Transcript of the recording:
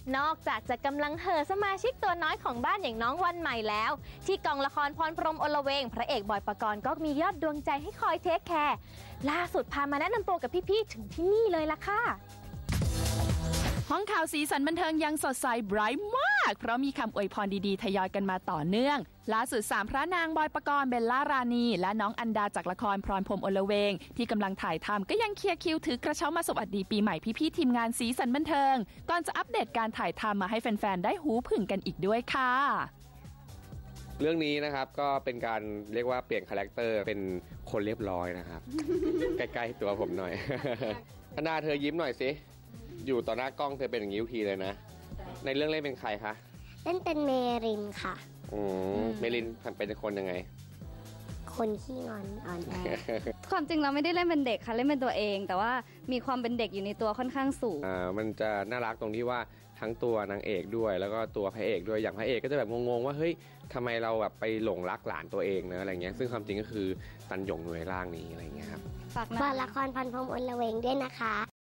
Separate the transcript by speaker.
Speaker 1: นอกจากจะกำลังเห่อสมาชิกตัวน้อยของบ้านอย่างน้องวันใหม่แล้วที่กองละครพรพรหมอลเวงพระเอกบอยปกรณ์ก็มียอดดวงใจให้คอยเทคแคร์ล่าสุดพามาแนะนำตัวกับพี่ๆถึงที่นี่เลยล่ะค่ะ
Speaker 2: ห้องข่าวสีสันบันเทิงยังสดใสไบรท์มากเพราะมีคำอวยพรดีๆทยอยกันมาต่อเนื่องล่าสุด3พระนางบอยปกรณ์เบลล่ารานีและน้องอันดาจากละครพรพรหมอลเวงที่กำลังถ่ายทำก็ยังเคลียร์คิวถือกระเช้ามาสวัสดีปีใหม่พี่ๆทีมงานสีสันบันเทิงก่อนจะอัปเดตการถ่ายทำมาให้แฟนๆได้หูผึ่งกันอีกด้วยค่ะ
Speaker 3: เรื่องนี้นะครับก็เป็นการเรียกว่าเปลี่ยนคาแรคเตอร์เป็นคนเรียบร้อยนะครับ ใกล้ๆตัวผมหน่อย อันดาเธอยิ้มหน่อยสิอยู่ต่อหน้ากล้องเธอเป็นอย่างนี้ทุกทีเลยนะในเรื่องเล่นเป็นใครคะ
Speaker 4: เล่นเป็นเมรินค่ะ
Speaker 3: เมรินเป็นคนยังไง
Speaker 4: คนขี้งอนอ่อนแอ
Speaker 5: ความจริงเราไม่ได้เล่นเป็นเด็กค่ะเล่นเป็นตัวเองแต่ว่ามีความเป็นเด็กอยู่ในตัวค่อนข้างสูง
Speaker 3: มันจะน่ารักตรงที่ว่าทั้งตัวนางเอกด้วยแล้วก็ตัวพระเอกด้วยอย่างพระเอกก็จะแบบงงๆว่าเฮ้ยทำไมเราแบบไปหลงรักหลานตัวเองนะอะไรเงี้ยซึ่งความจริงก็คือตันหยงอยู่ในร่างนี้อะไรเงี้ยครับ
Speaker 4: ฝากละครพรพรหมอลเวงด้วยนะคะ